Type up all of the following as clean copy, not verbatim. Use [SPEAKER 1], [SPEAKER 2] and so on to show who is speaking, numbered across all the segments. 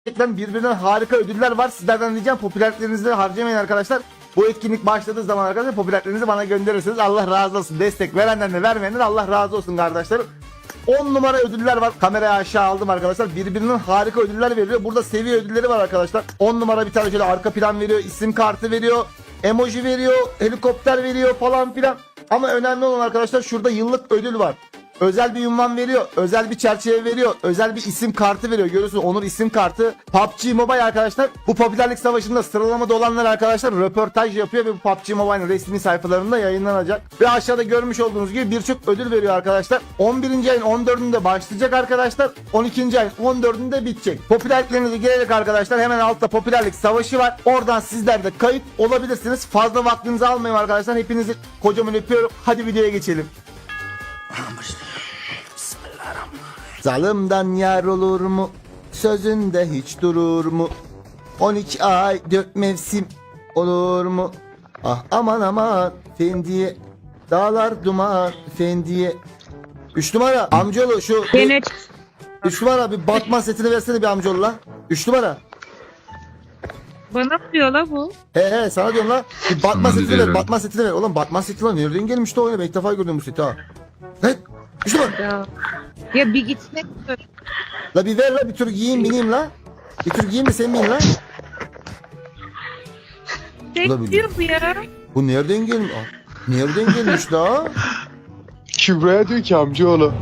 [SPEAKER 1] Gerçekten birbirinden harika ödüller var. Sizlerden diyeceğim popülerliklerinizi harcamayın arkadaşlar. Bu etkinlik başladığı zaman arkadaşlar popülerliklerinizi bana gönderirsiniz. Allah razı olsun. Destek verenden de vermeyenden de Allah razı olsun kardeşlerim. 10 numara ödüller var. Kamerayı aşağı aldım arkadaşlar. Birbirinden harika ödüller veriyor. Burada seviye ödülleri var arkadaşlar. 10 numara bir tane şöyle arka plan veriyor. İsim kartı veriyor. Emoji veriyor. Helikopter veriyor falan filan. Ama önemli olan arkadaşlar şurada yıllık ödül var. Özel bir ünvan veriyor. Özel bir çerçeve veriyor. Özel bir isim kartı veriyor. Görüyorsunuz Onur isim kartı. PUBG Mobile arkadaşlar. Bu popülerlik savaşında sıralamada olanlar arkadaşlar röportaj yapıyor ve bu PUBG Mobile'ın resmi sayfalarında yayınlanacak. Ve aşağıda görmüş olduğunuz gibi birçok ödül veriyor arkadaşlar. 11. ayın 14'ünde başlayacak arkadaşlar. 12. ayın 14'ünde bitecek. Popülerliklerinize girerek arkadaşlar hemen altta popülerlik savaşı var. Oradan sizler de kayıt olabilirsiniz. Fazla vaktinizi almayayım arkadaşlar. Hepinizi kocaman öpüyorum. Hadi videoya geçelim. Zalımdan yar olur mu? Sözünde hiç durur mu? 12 ay 4 mevsim olur mu? Ah aman aman fendiye. Dağlar duman fendiye. 3 numara amcaoğlu şu
[SPEAKER 2] Gene
[SPEAKER 1] 3 numara bir Batman setini versene bir amcaoğlu la. 3 numara.
[SPEAKER 2] bana mı diyor la bu?
[SPEAKER 1] He sana diyorum la. Bir Batman
[SPEAKER 3] Sana
[SPEAKER 1] setini
[SPEAKER 3] diyor
[SPEAKER 1] ver.
[SPEAKER 3] herhalde.
[SPEAKER 1] Batman setini ver. Oğlum Batman seti lan nereden gelmiş de oyuna? Ben ilk defa gördüm bu seti ha. He 3 numara.
[SPEAKER 2] Ya bir gitmek dur.
[SPEAKER 1] La bir ver la bir tur giyeyim bineyim la. Bir tur giyeyim de sen bin la.
[SPEAKER 2] Bekliyor bu ya.
[SPEAKER 1] Bu nereden gelmiş? Nereden gelmiş la?
[SPEAKER 4] Kübra'ya diyor ki amcaoğlu.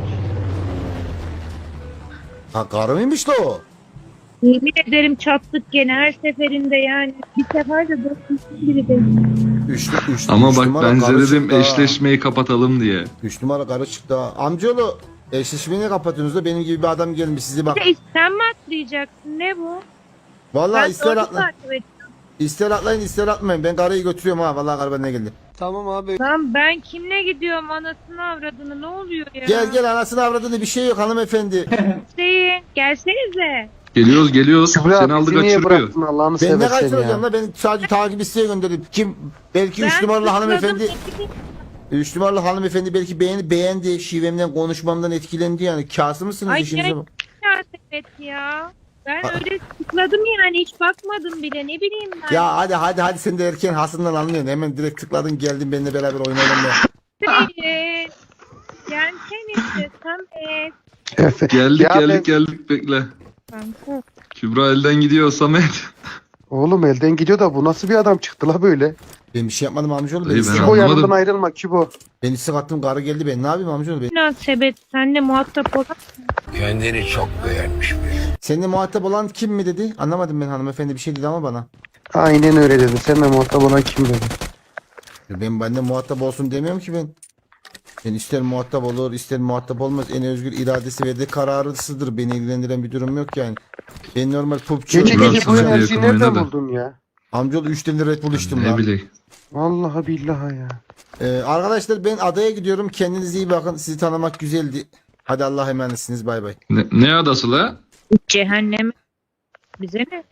[SPEAKER 1] Ha karı mıymış la o?
[SPEAKER 2] Yemin ederim çattık gene her seferinde yani. Bir sefer de dörtlüsün biri de.
[SPEAKER 3] Ama
[SPEAKER 1] üç
[SPEAKER 3] bak
[SPEAKER 1] numara
[SPEAKER 3] ben size
[SPEAKER 1] karı
[SPEAKER 3] dedim
[SPEAKER 1] çıktı ha.
[SPEAKER 3] eşleşmeyi kapatalım diye.
[SPEAKER 1] 3 numara karı çıktı ha. Amcaoğlu eşleşmeyi niye kapatıyorsunuz da benim gibi bir adam gelmiş sizi bak.
[SPEAKER 2] Bir de sen mi atlayacaksın ne bu?
[SPEAKER 1] Vallahi
[SPEAKER 2] Ben
[SPEAKER 1] ister
[SPEAKER 2] doğru
[SPEAKER 1] atlayın.
[SPEAKER 2] takip ediyorum.
[SPEAKER 1] İster atlayın ister atmayın. Ben karıyı götürüyorum ha. Vallahi karı benimle geldi.
[SPEAKER 4] Tamam abi.
[SPEAKER 2] Lan ben kimle gidiyorum anasını avradını ne oluyor ya?
[SPEAKER 1] Gel anasını avradını bir şey yok hanımefendi.
[SPEAKER 2] Hüseyin gelsenize.
[SPEAKER 3] Geliyoruz.
[SPEAKER 4] Kübra
[SPEAKER 3] Seni aldı
[SPEAKER 4] bizi niye
[SPEAKER 3] kaçırıyor.
[SPEAKER 4] bıraktın Allah'ını
[SPEAKER 1] Ben ne
[SPEAKER 4] seversen
[SPEAKER 1] kaçıracağım
[SPEAKER 4] ya.
[SPEAKER 1] la? Ben sadece takip isteğe gönderdim. Kim? Belki 3
[SPEAKER 2] Ben
[SPEAKER 1] numaralı
[SPEAKER 2] tıkladım,
[SPEAKER 1] hanımefendi.
[SPEAKER 2] ekibim-
[SPEAKER 1] 3 numaralı hanımefendi belki beğendi. Şivemden konuşmamdan etkilendi yani. Kâsı mısınız
[SPEAKER 2] Ay
[SPEAKER 1] işinize bak.
[SPEAKER 2] evet ya. Ben
[SPEAKER 1] Ha.
[SPEAKER 2] öyle tıkladım yani hiç bakmadım bile ne bileyim ben.
[SPEAKER 1] Ya hadi sen de erken hasından anlıyorsun. Hemen direkt tıkladın geldin benimle beraber oynayalım ya.
[SPEAKER 2] Hüseyin. Gelsenize Samet.
[SPEAKER 3] Geldik
[SPEAKER 4] Ya
[SPEAKER 3] geldik bekle.
[SPEAKER 2] Kanka.
[SPEAKER 3] Kübra elden gidiyor Samet.
[SPEAKER 4] Oğlum elden gidiyor da bu nasıl bir adam çıktı la böyle?
[SPEAKER 1] Ben bir şey yapmadım amcaoğlu. Ben
[SPEAKER 3] Dayı,
[SPEAKER 1] istek,
[SPEAKER 3] ben
[SPEAKER 4] Kübo
[SPEAKER 3] anlamadım.
[SPEAKER 4] yanından ayrılma Kübo.
[SPEAKER 1] ben istek attım karı geldi ben ne yapayım amcaoğlu? Ben...
[SPEAKER 2] Münasebet senle muhatap olan
[SPEAKER 5] Kendini çok beğenmiş biri.
[SPEAKER 1] Seninle muhatap olan kim mi dedi? Anlamadım ben hanımefendi bir şey dedi ama bana.
[SPEAKER 4] Aynen öyle dedi. Seninle muhatap olan kim dedi?
[SPEAKER 1] Ben benden muhatap olsun demiyorum ki ben. Ben ister muhatap olur ister muhatap olmaz. En özgür iradesi verdiği kararısıdır. Beni ilgilendiren bir durum yok yani. Ben normal PUBG
[SPEAKER 4] Gece
[SPEAKER 3] Kübra
[SPEAKER 4] gece bu
[SPEAKER 3] sana
[SPEAKER 4] enerjiyi
[SPEAKER 3] yakın
[SPEAKER 4] nereden
[SPEAKER 3] oynadı.
[SPEAKER 4] buldun ya?
[SPEAKER 1] amcaoğlu 3 tane Red Bull içtim
[SPEAKER 3] Ne
[SPEAKER 1] lan.
[SPEAKER 3] bileyim.
[SPEAKER 4] Vallahi billahi ya.
[SPEAKER 1] Arkadaşlar ben adaya gidiyorum. Kendinize iyi bakın. Sizi tanımak güzeldi. Hadi Allah'a emanetsiniz. Bay bay.
[SPEAKER 3] Ne adası la?
[SPEAKER 2] cehennem. Bize ne?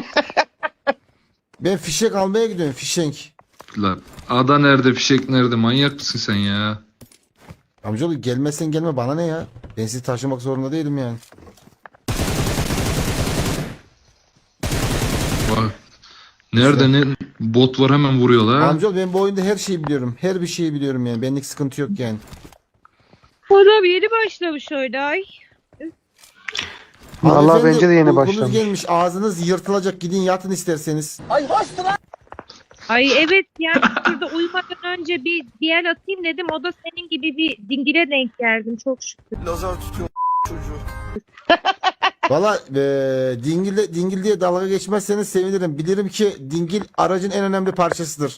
[SPEAKER 1] Ben fişek almaya gidiyorum. Fişek.
[SPEAKER 3] La ada nerede fişek nerede manyak mısın sen ya?
[SPEAKER 1] Amcaoğlu gelmezsen gelme bana ne ya? Ben sizi taşımak zorunda değilim yani.
[SPEAKER 3] Bak. Nerede ne bot var hemen vuruyor la.
[SPEAKER 1] Amcaoğlu ben bu oyunda her şeyi biliyorum. Her bir şeyi biliyorum yani. Benlik sıkıntı yok yani.
[SPEAKER 2] O da yeni başlamış öyle ay.
[SPEAKER 4] Vallahi
[SPEAKER 1] Hanımefendi,
[SPEAKER 4] bence de yeni
[SPEAKER 1] uykunuz
[SPEAKER 4] başlamış.
[SPEAKER 1] gelmiş. Ağzınız yırtılacak. Gidin yatın isterseniz.
[SPEAKER 2] Ay evet yani şurada uyumadan önce bir el atayım dedim. O da senin gibi bir dingile denk geldim çok şükür.
[SPEAKER 1] Valla dingil diye dalga geçmezseniz sevinirim. Bilirim ki dingil aracın en önemli parçasıdır.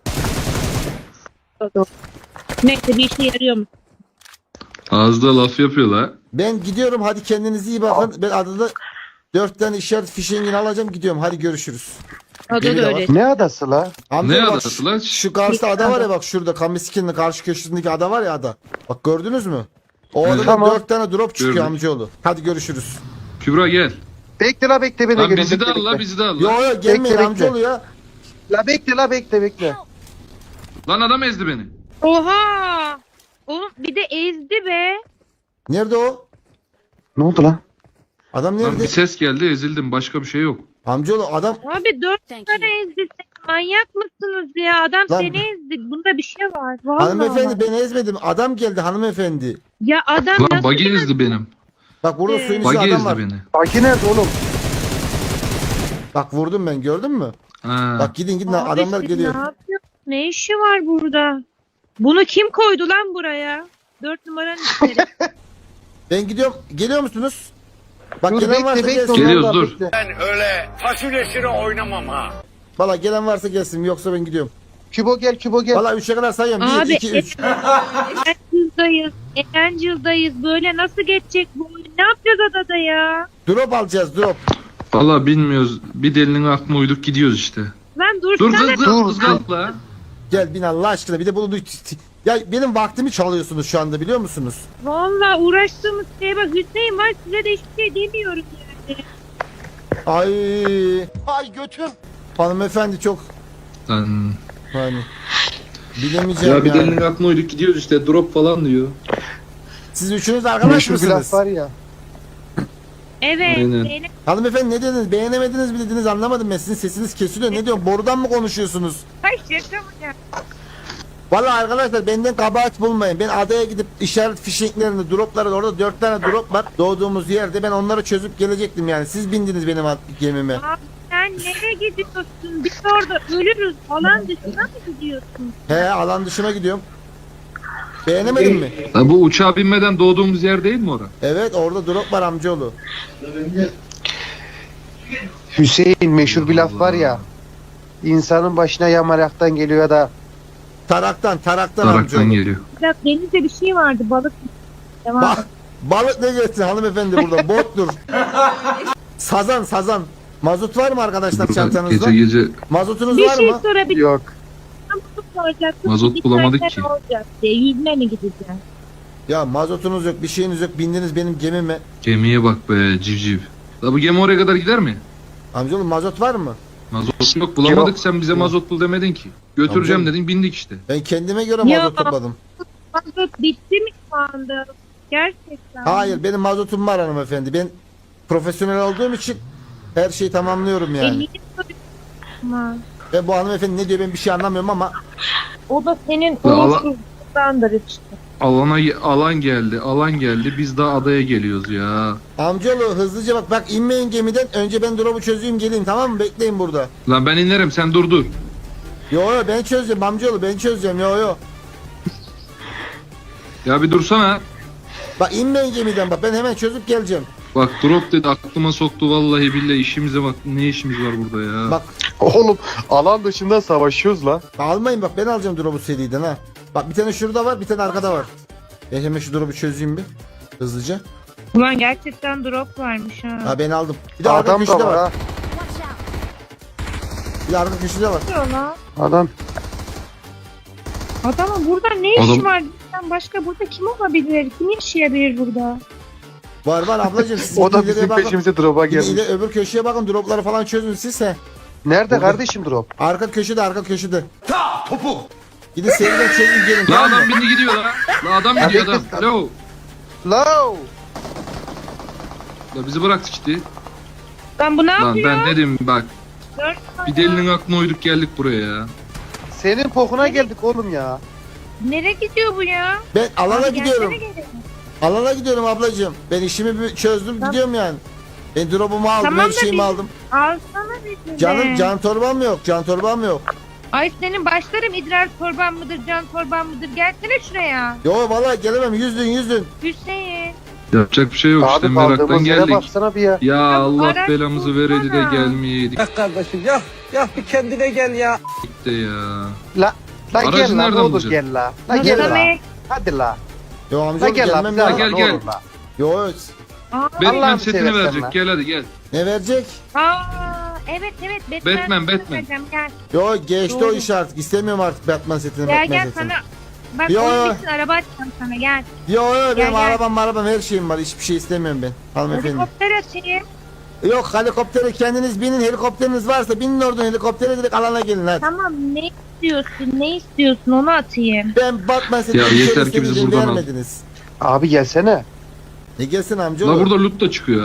[SPEAKER 2] Neyse bir işe yarıyor mu?
[SPEAKER 3] Ağızda laf yapıyor la.
[SPEAKER 1] Ben gidiyorum. Hadi kendinize iyi bakın. Ben adada 4 tane işaret fişeğini alacağım. Gidiyorum. Hadi görüşürüz.
[SPEAKER 2] O da
[SPEAKER 1] Biri de
[SPEAKER 2] öyle.
[SPEAKER 4] Ne adası la?
[SPEAKER 1] Amca
[SPEAKER 3] Ne
[SPEAKER 1] bak,
[SPEAKER 3] adası lan?
[SPEAKER 1] Şu karşıda ada var ya bak şurada. Kamiski'nin karşı köşesindeki ada var ya ada. Bak gördünüz mü? O adada
[SPEAKER 4] Tamam.
[SPEAKER 1] 4 tane drop çıkıyor
[SPEAKER 3] Gördük.
[SPEAKER 1] amcaoğlu. Hadi görüşürüz.
[SPEAKER 3] Kübra gel.
[SPEAKER 4] Bekle la bekle beni
[SPEAKER 3] Lan
[SPEAKER 4] gelin.
[SPEAKER 3] bizi de
[SPEAKER 4] bekle,
[SPEAKER 3] al la
[SPEAKER 4] bekle.
[SPEAKER 3] bizi de al
[SPEAKER 1] Yo
[SPEAKER 3] la.
[SPEAKER 1] yo gelmeyin
[SPEAKER 4] Bekle,
[SPEAKER 1] amcaoğlu ya.
[SPEAKER 4] La bekle bekle.
[SPEAKER 3] Lan adam ezdi beni.
[SPEAKER 2] Oha! Oğlum bir de ezdi be.
[SPEAKER 1] Nerede o?
[SPEAKER 4] Ne oldu lan?
[SPEAKER 1] Adam
[SPEAKER 3] Lan
[SPEAKER 1] nerede?
[SPEAKER 3] bir ses geldi ezildim başka bir şey yok.
[SPEAKER 1] Amcaoğlu adam
[SPEAKER 2] Abi 4
[SPEAKER 6] Thank
[SPEAKER 2] tane
[SPEAKER 6] you.
[SPEAKER 2] ezdi. Manyak mısınız ya? Adam
[SPEAKER 1] Lan-
[SPEAKER 2] seni ezdi. Bunda bir şey var. Vallahi.
[SPEAKER 1] hanımefendi ben ezmedim. Adam geldi hanımefendi.
[SPEAKER 2] Ya adam
[SPEAKER 3] Lan
[SPEAKER 2] nasıl
[SPEAKER 3] buggy ezdi benim.
[SPEAKER 1] Bak burada suyun içinde
[SPEAKER 3] Buggy
[SPEAKER 1] adam
[SPEAKER 3] ezdi
[SPEAKER 1] var.
[SPEAKER 3] beni.
[SPEAKER 4] Baki nerede oğlum?
[SPEAKER 1] Bak vurdum ben gördün mü?
[SPEAKER 3] Ha.
[SPEAKER 1] Bak gidin
[SPEAKER 2] Abi
[SPEAKER 1] adamlar
[SPEAKER 2] siz
[SPEAKER 1] geliyor.
[SPEAKER 2] Ne yapıyor? Ne işi var burada? Bunu kim koydu lan buraya? 4 numaranın içeri.
[SPEAKER 1] Ben gidiyorum. Geliyor musunuz? Bak
[SPEAKER 4] Dur
[SPEAKER 1] gelen varsa
[SPEAKER 4] bekle
[SPEAKER 1] gelsin.
[SPEAKER 4] bekle.
[SPEAKER 3] Geliyoruz,
[SPEAKER 4] vallahi
[SPEAKER 3] dur.
[SPEAKER 4] bekle.
[SPEAKER 5] Ben öyle fasulyesine oynamam ha.
[SPEAKER 1] Valla gelen varsa gelsin yoksa ben gidiyorum.
[SPEAKER 4] Kübo gel Kübo gel.
[SPEAKER 1] Valla 3'e kadar sayıyorum. 1,
[SPEAKER 2] Abi
[SPEAKER 1] 2, 3.
[SPEAKER 2] Erencil'dayız. Erencil'dayız. Böyle nasıl geçecek bu oyun? Ne yapacağız adada ya?
[SPEAKER 1] Drop alacağız drop.
[SPEAKER 3] Valla bilmiyoruz. Bir delinin aklına uyduk gidiyoruz işte.
[SPEAKER 2] Lan
[SPEAKER 3] Dur
[SPEAKER 2] dursana.
[SPEAKER 3] kız kalkla.
[SPEAKER 1] Gel bin Allah aşkına bir de bunu ya benim vaktimi çalıyorsunuz şu anda biliyor musunuz?
[SPEAKER 2] Valla uğraştığımız şeye bak. Hüseyin var size de hiçbir şey demiyorum yani.
[SPEAKER 1] Ay
[SPEAKER 5] Ay götüm.
[SPEAKER 1] hanımefendi çok
[SPEAKER 3] Lan.
[SPEAKER 1] hani bilemeyeceğim
[SPEAKER 3] Ya bir
[SPEAKER 1] yani.
[SPEAKER 3] delinin aklına uyduk gidiyoruz işte drop falan diyor.
[SPEAKER 1] Siz üçünüz arkadaş
[SPEAKER 4] Meşhur bir
[SPEAKER 1] mısınız?
[SPEAKER 4] laf var ya.
[SPEAKER 2] Evet.
[SPEAKER 3] Aynen.
[SPEAKER 2] Zeynep
[SPEAKER 1] Hanımefendi ne dediniz? Beğenemediniz mi dediniz anlamadım ben. Sizin sesiniz kesiliyor. Ne diyorum? Borudan mı konuşuyorsunuz?
[SPEAKER 2] ay şaka mı ya?
[SPEAKER 1] Vallahi arkadaşlar benden kabahat bulmayın. Ben adaya gidip işaret fişeklerini, dropları orada 4 tane drop var. Doğduğumuz yerde ben onları çözüp gelecektim yani. Siz bindiniz benim gemime.
[SPEAKER 2] Abi sen nereye gidiyorsun? Biz orada ölürüz. Alan dışına mı gidiyorsun?
[SPEAKER 1] He alan dışına gidiyorum. Beğenemedin mi?
[SPEAKER 3] Ya bu uçağa binmeden doğduğumuz yer değil mi orası?
[SPEAKER 1] Evet orada drop var amcaoğlu.
[SPEAKER 4] Hüseyin meşhur bir laf var ya. İnsanın başına yamaraktan geliyor ya da
[SPEAKER 1] Taraktan
[SPEAKER 3] Daraktan
[SPEAKER 1] amcaoğlu.
[SPEAKER 3] geliyor.
[SPEAKER 2] Ya denizde bir şey vardı. Balık. Devam et.
[SPEAKER 1] Bak balık ne geçsin hanımefendi burada bottur. Sazan. Mazot var mı arkadaşlar çantanızda?
[SPEAKER 3] Gece
[SPEAKER 1] Mazotunuz
[SPEAKER 2] Bir
[SPEAKER 1] var
[SPEAKER 2] şey
[SPEAKER 1] mı?
[SPEAKER 2] sorabilir
[SPEAKER 4] yok.
[SPEAKER 2] soracaktım.
[SPEAKER 3] Mazot
[SPEAKER 2] Bir
[SPEAKER 3] bulamadık
[SPEAKER 2] tane
[SPEAKER 3] ki.
[SPEAKER 2] olacak diye. Yüzme mi gideceğiz?
[SPEAKER 1] Ya mazotunuz yok bir şeyiniz yok bindiniz benim gemime.
[SPEAKER 3] gemiye bak be civciv. La bu gemi oraya kadar gider mi?
[SPEAKER 1] Amcaoğlu mazot var mı?
[SPEAKER 3] Mazot yok bulamadık
[SPEAKER 4] Yok.
[SPEAKER 3] sen bize mazot bul demedin ki. Götüreceğim
[SPEAKER 1] Amcam.
[SPEAKER 3] dedin bindik işte.
[SPEAKER 1] Ben kendime göre
[SPEAKER 2] Ya.
[SPEAKER 1] mazot topladım.
[SPEAKER 2] Mazot bitti mi şu anda? Gerçekten.
[SPEAKER 1] Hayır benim mazotum var hanımefendi. Ben profesyonel olduğum için her şeyi tamamlıyorum yani.
[SPEAKER 2] Elini soruyorum.
[SPEAKER 1] Ve bu hanımefendi ne diyor ben bir şey anlamıyorum ama
[SPEAKER 2] O da senin
[SPEAKER 3] Ya Allah-
[SPEAKER 2] uğursuzluğundandır işte.
[SPEAKER 3] Alan geldi biz daha adaya geliyoruz ya.
[SPEAKER 1] amcaoğlu hızlıca bak inmeyin gemiden önce ben drop'u çözeyim geleyim tamam mı bekleyin burada.
[SPEAKER 3] Lan ben inerim sen dur.
[SPEAKER 1] Yo ben çözeceğim amcaoğlu ben çözeceğim yo.
[SPEAKER 3] Ya bir dursana.
[SPEAKER 1] Bak inmeyin gemiden bak ben hemen çözüp geleceğim.
[SPEAKER 3] Bak drop dedi aklıma soktu vallahi billahi işimize bak ne işimiz var burada ya.
[SPEAKER 1] Bak
[SPEAKER 4] Oğlum alan dışında savaşıyoruz la.
[SPEAKER 1] almayın bak ben alacağım drop'u seriden ha. Bak bir tane şurada var bir tane arkada var. Ben hemen şu drop'u çözeyim bir hızlıca.
[SPEAKER 2] Ulan gerçekten drop varmış ha.
[SPEAKER 1] Ha ben aldım. Bir de arka
[SPEAKER 4] Adam
[SPEAKER 1] köşede
[SPEAKER 4] da var
[SPEAKER 1] var.
[SPEAKER 4] ha.
[SPEAKER 1] Bir de arka köşede var.
[SPEAKER 2] Ne oluyor lan?
[SPEAKER 4] Adam.
[SPEAKER 2] Adamın burada ne işi
[SPEAKER 3] Adam-
[SPEAKER 2] var? Bizden başka burada kim olabilir? Kim yaşayabilir burada?
[SPEAKER 1] Var ablacığım siz
[SPEAKER 4] O da
[SPEAKER 1] ileriye
[SPEAKER 4] bizim
[SPEAKER 1] bakın.
[SPEAKER 4] peşimize drop'a
[SPEAKER 1] Bir de
[SPEAKER 4] gelmiş.
[SPEAKER 1] öbür köşeye bakın dropları falan çözün siz he.
[SPEAKER 4] Nerede
[SPEAKER 1] Burada.
[SPEAKER 4] kardeşim drop?
[SPEAKER 1] Arka köşede. Ta topu. Gidin seriden çözün gelin
[SPEAKER 3] La
[SPEAKER 1] tamam mı?
[SPEAKER 3] adam bindi gidiyor la. La adam
[SPEAKER 4] Ya
[SPEAKER 3] gidiyor
[SPEAKER 4] bekle
[SPEAKER 3] adam.
[SPEAKER 4] sen.
[SPEAKER 3] Alo.
[SPEAKER 4] Low.
[SPEAKER 3] La bizi bıraktı işte.
[SPEAKER 2] Lan bu ne
[SPEAKER 3] Lan
[SPEAKER 2] yapıyor?
[SPEAKER 3] ben dedim bak
[SPEAKER 2] Dört
[SPEAKER 3] bir delinin aklına uyduk geldik buraya ya.
[SPEAKER 4] Senin pokuna geldik oğlum ya.
[SPEAKER 2] Nereye gidiyor bu ya?
[SPEAKER 1] Ben alana
[SPEAKER 2] Abi
[SPEAKER 1] gidiyorum.
[SPEAKER 2] gelsene geri.
[SPEAKER 1] Alana gidiyorum ablacığım. Ben işimi bir çözdüm
[SPEAKER 2] Tamam.
[SPEAKER 1] gidiyorum yani. Ben drop'umu aldım
[SPEAKER 2] Tamam
[SPEAKER 1] her
[SPEAKER 2] da
[SPEAKER 1] şeyimi
[SPEAKER 2] biz-
[SPEAKER 1] aldım.
[SPEAKER 2] Alsana bizi
[SPEAKER 1] Canım
[SPEAKER 2] de.
[SPEAKER 1] can torbam yok. Can torbam yok.
[SPEAKER 2] Ay senin başlarım idrar torban mıdır, can torban mıdır? Gelsene şuraya.
[SPEAKER 1] Yo vallahi gelemem yüzdün.
[SPEAKER 2] Hüseyin.
[SPEAKER 3] Yapacak bir şey yok işte
[SPEAKER 4] Abi
[SPEAKER 3] meraktan
[SPEAKER 4] kaldığımız yere
[SPEAKER 3] geldik.
[SPEAKER 4] baksana bir ya.
[SPEAKER 3] Ya Allah
[SPEAKER 2] araç
[SPEAKER 3] belamızı vereydi de
[SPEAKER 2] bulsana.
[SPEAKER 3] gelmeyeydik
[SPEAKER 5] Kardeşim ya bir kendine gel ya.
[SPEAKER 3] de ya.
[SPEAKER 4] La
[SPEAKER 3] Aracı
[SPEAKER 4] gel la ne
[SPEAKER 3] nereden
[SPEAKER 4] olur
[SPEAKER 3] bulacağız?
[SPEAKER 4] gel la. La
[SPEAKER 2] Nasıl
[SPEAKER 4] gel la.
[SPEAKER 2] demek?
[SPEAKER 4] Hadi la.
[SPEAKER 1] Yo
[SPEAKER 4] La
[SPEAKER 1] amca
[SPEAKER 4] gel la.
[SPEAKER 1] gelmem
[SPEAKER 4] bize
[SPEAKER 1] lazım.
[SPEAKER 3] gel,
[SPEAKER 4] ne
[SPEAKER 3] gel.
[SPEAKER 4] olur la.
[SPEAKER 1] Yo
[SPEAKER 2] Aa,
[SPEAKER 3] Batman
[SPEAKER 4] Allah'ını
[SPEAKER 3] setini
[SPEAKER 4] seversen
[SPEAKER 3] verecek
[SPEAKER 4] lan.
[SPEAKER 3] gel hadi gel.
[SPEAKER 1] ne verecek?
[SPEAKER 2] evet
[SPEAKER 3] Batman.
[SPEAKER 2] vereceğim. Gel
[SPEAKER 1] Yo geçti o
[SPEAKER 2] Doğru.
[SPEAKER 1] iş artık. İstemiyorum artık Batman setini.
[SPEAKER 2] gel,
[SPEAKER 1] Batman
[SPEAKER 2] gel
[SPEAKER 1] setini.
[SPEAKER 2] sana. Bak
[SPEAKER 1] Yo,
[SPEAKER 2] onun
[SPEAKER 1] yo.
[SPEAKER 2] için araba açacağım sana gel.
[SPEAKER 1] Yo benim
[SPEAKER 2] gel.
[SPEAKER 1] arabam her şeyim var. Hiçbir şey istemiyorum ben. Hanımefendi.
[SPEAKER 2] Helikopter açayım.
[SPEAKER 1] Yok helikoptere kendiniz binin. Helikopteriniz varsa binin oradan helikoptere direkt alana gelin hadi.
[SPEAKER 2] Tamam ne istiyorsun onu atayım.
[SPEAKER 1] Ben Batman setini
[SPEAKER 3] Ya
[SPEAKER 1] bir
[SPEAKER 3] yeter
[SPEAKER 1] kere
[SPEAKER 3] ki bizi
[SPEAKER 1] izin
[SPEAKER 3] buradan al.
[SPEAKER 1] vermediniz.
[SPEAKER 4] Abi gelsene.
[SPEAKER 1] Ne gelsin
[SPEAKER 3] La
[SPEAKER 1] amcaoğlu?
[SPEAKER 3] burada loot da çıkıyor ha.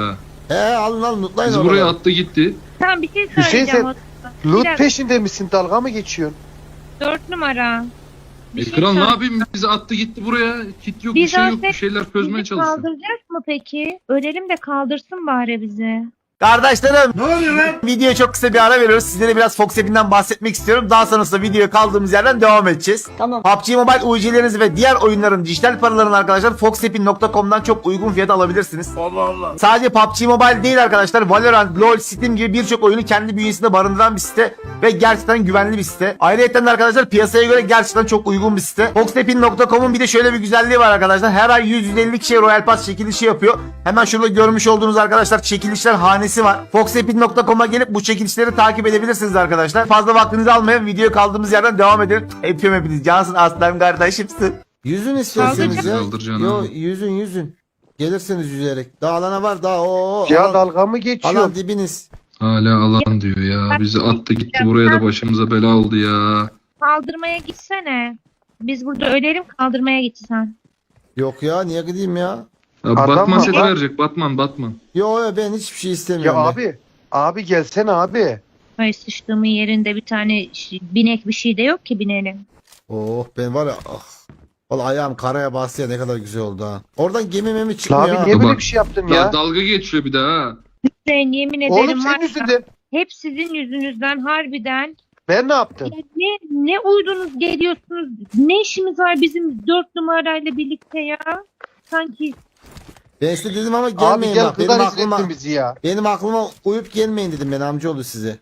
[SPEAKER 1] Alın alın lootlayın
[SPEAKER 3] Biz buraya
[SPEAKER 1] oraları.
[SPEAKER 3] attı gitti.
[SPEAKER 2] Tamam bir şey
[SPEAKER 4] Hüseyin
[SPEAKER 2] söyleyeceğim.
[SPEAKER 4] sen loot
[SPEAKER 2] dakika.
[SPEAKER 4] peşinde misin? Dalga mı geçiyorsun?
[SPEAKER 2] 4 numara. Bir şey
[SPEAKER 3] Kral ne
[SPEAKER 2] söyle-
[SPEAKER 3] yapayım? Bizi attı gitti buraya. Kit yok, bir
[SPEAKER 2] Biz
[SPEAKER 3] şey yok.
[SPEAKER 2] olsak
[SPEAKER 3] Bir şeyler çözmeye
[SPEAKER 2] Bizi
[SPEAKER 3] çalışıyor.
[SPEAKER 2] kaldıracak mı peki? Ölelim de kaldırsın bari bizi.
[SPEAKER 1] Kardeşlerim. Ne oluyor lan? Videoya çok kısa bir ara veriyoruz. Sizlere biraz Fox App'inden bahsetmek istiyorum. Daha sonrasında videoya kaldığımız yerden devam edeceğiz.
[SPEAKER 6] Tamam.
[SPEAKER 1] PUBG Mobile UC'lerinizi ve diğer oyunların dijital paralarını arkadaşlar foxappin.com'dan çok uygun fiyata alabilirsiniz.
[SPEAKER 5] Allah Allah.
[SPEAKER 1] Sadece PUBG Mobile değil arkadaşlar. Valorant, LoL, Steam gibi birçok oyunu kendi bünyesinde barındıran bir site ve gerçekten güvenli bir site. Ayrıca de arkadaşlar piyasaya göre gerçekten çok uygun bir site. Foxappin.com'un bir de şöyle bir güzelliği var arkadaşlar. Her ay 150 kişiye Royal Pass çekilişi yapıyor. Hemen şurada görmüş olduğunuz arkadaşlar çekilişler hanesi var. Foxappin.com'a gelip bu çekilişleri takip edebilirsiniz arkadaşlar. Fazla vaktinizi almayın. Videoya kaldığımız yerden devam edelim. Öpüyorum hepiniz. Cansın aslan kardeşimsin. Yüzün istiyorsanız ya.
[SPEAKER 3] Kaldıracaksın
[SPEAKER 1] Yo
[SPEAKER 3] abi.
[SPEAKER 1] yüzün. Gelirsiniz yüzerek. Daha alana var daha o.
[SPEAKER 4] Ya dalga mı geçiyorsun?
[SPEAKER 1] Alan dibiniz.
[SPEAKER 3] Hala alan diyor ya. Bizi attı gitti buraya da başımıza bela oldu ya.
[SPEAKER 2] Kaldırmaya gitsene. Biz burada ölelim kaldırmaya gitsen.
[SPEAKER 1] Yok ya niye gideyim ya?
[SPEAKER 3] Ya
[SPEAKER 4] Adam
[SPEAKER 3] Batman
[SPEAKER 4] var
[SPEAKER 3] sesi
[SPEAKER 4] lan.
[SPEAKER 3] verecek. Batman.
[SPEAKER 1] Yo ben hiçbir şey
[SPEAKER 4] Ya
[SPEAKER 1] istemiyorum. ben.
[SPEAKER 4] abi gelsene abi.
[SPEAKER 2] Ay sıçtığımın yerinde bir tane binek bir şey de yok ki binelim.
[SPEAKER 1] Oh ben var ya Vallahi ayağım karaya bastı ya ne kadar güzel oldu ha. Oradan gemi memi çıkmıyor
[SPEAKER 4] La abi
[SPEAKER 1] ha.
[SPEAKER 4] niye böyle
[SPEAKER 3] Bak,
[SPEAKER 4] bir şey yaptın
[SPEAKER 3] Daha
[SPEAKER 4] ya?
[SPEAKER 3] dalga geçiyor bir daha ha.
[SPEAKER 2] Hüseyin yemin
[SPEAKER 4] Oğlum
[SPEAKER 2] ederim var
[SPEAKER 4] senin
[SPEAKER 2] ya,
[SPEAKER 4] yüzünden.
[SPEAKER 2] hep sizin yüzünüzden harbiden.
[SPEAKER 4] Ben ne yaptım?
[SPEAKER 2] Ya ne uydunuz geliyorsunuz? Ne işimiz var bizim 4 numarayla birlikte ya? Sanki
[SPEAKER 1] Ben size dedim ama
[SPEAKER 4] Abi
[SPEAKER 1] gelmeyin
[SPEAKER 4] gel
[SPEAKER 1] bak. Benim
[SPEAKER 4] kızlar rezil
[SPEAKER 1] aklıma,
[SPEAKER 4] ettin bizi ya.
[SPEAKER 1] benim aklıma uyup gelmeyin dedim ben amcaoğlu size.